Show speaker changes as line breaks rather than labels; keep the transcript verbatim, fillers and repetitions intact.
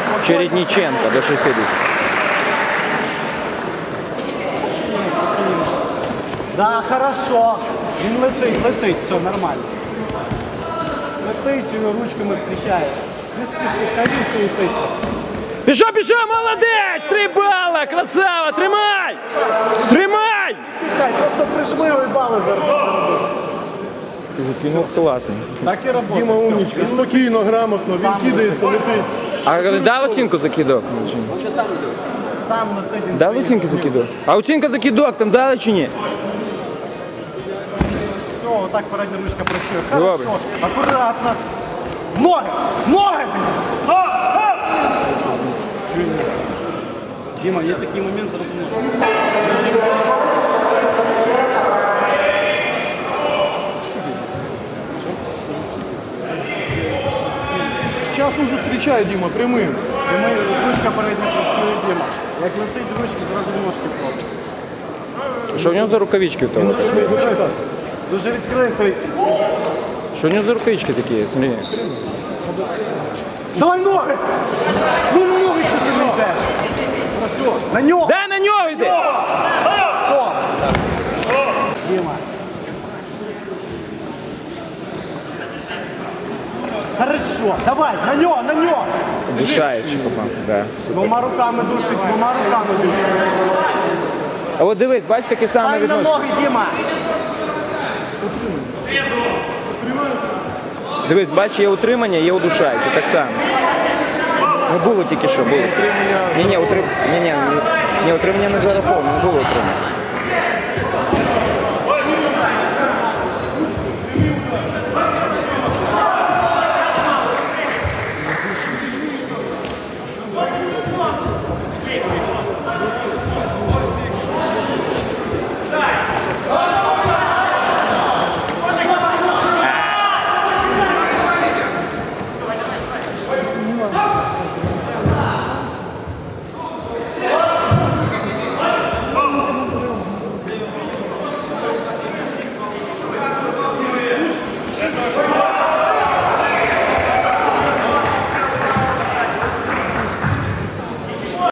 Чередниченко до шестидесяти.
Да, хорошо. Він летить, летить, все нормально. Летить, його ручками зустрічаєш. Не спішиш, хай він суетиться.
Пішов, пішов, молодець! Три бала, красава, тримай! Тримай!
Тікай, просто прижми його і бали заробив.
Закинув класний.
Так і робота.
Діма умничка, спокійно, грамотно, він кидається, летить.
А дав оцінку закидок?
Сам летить. він
Дав оцінку закидок? А оцінка закидок там дали чи ні?
Все, отак передня ручка працює.
Добре.
Хорошо, акуратно. Ноги! Ноги! Діма, є такий момент, зараз можна.
Часом зустрічає Діма, прямим.
Прямий, ручка передня працює, Діма. Як летить ручки, зразу ножки просто.
Що в нього за рукавички в того?
Дуже відкритий.
Що в нього за рукавички такі? Смотри.
Давай ноги! Ну на ноги чого ти не йдеш? Хорошо. На нього!
Дай на нього йди!
Стоп! Діма. Хорошо, давай, на нього, на нього!
Душає чи попав? Да.
Двома руками душить, двома руками душить.
А от дивись, бач, таке саме
Стань на
відношення.
ноги, Діма!
Дивись, бач, є утримання, є удушаюче, так само. Не було тільки що, було. Ні, ні, утрим... ні, ні, ні, утримання не зараховано, не було утримання.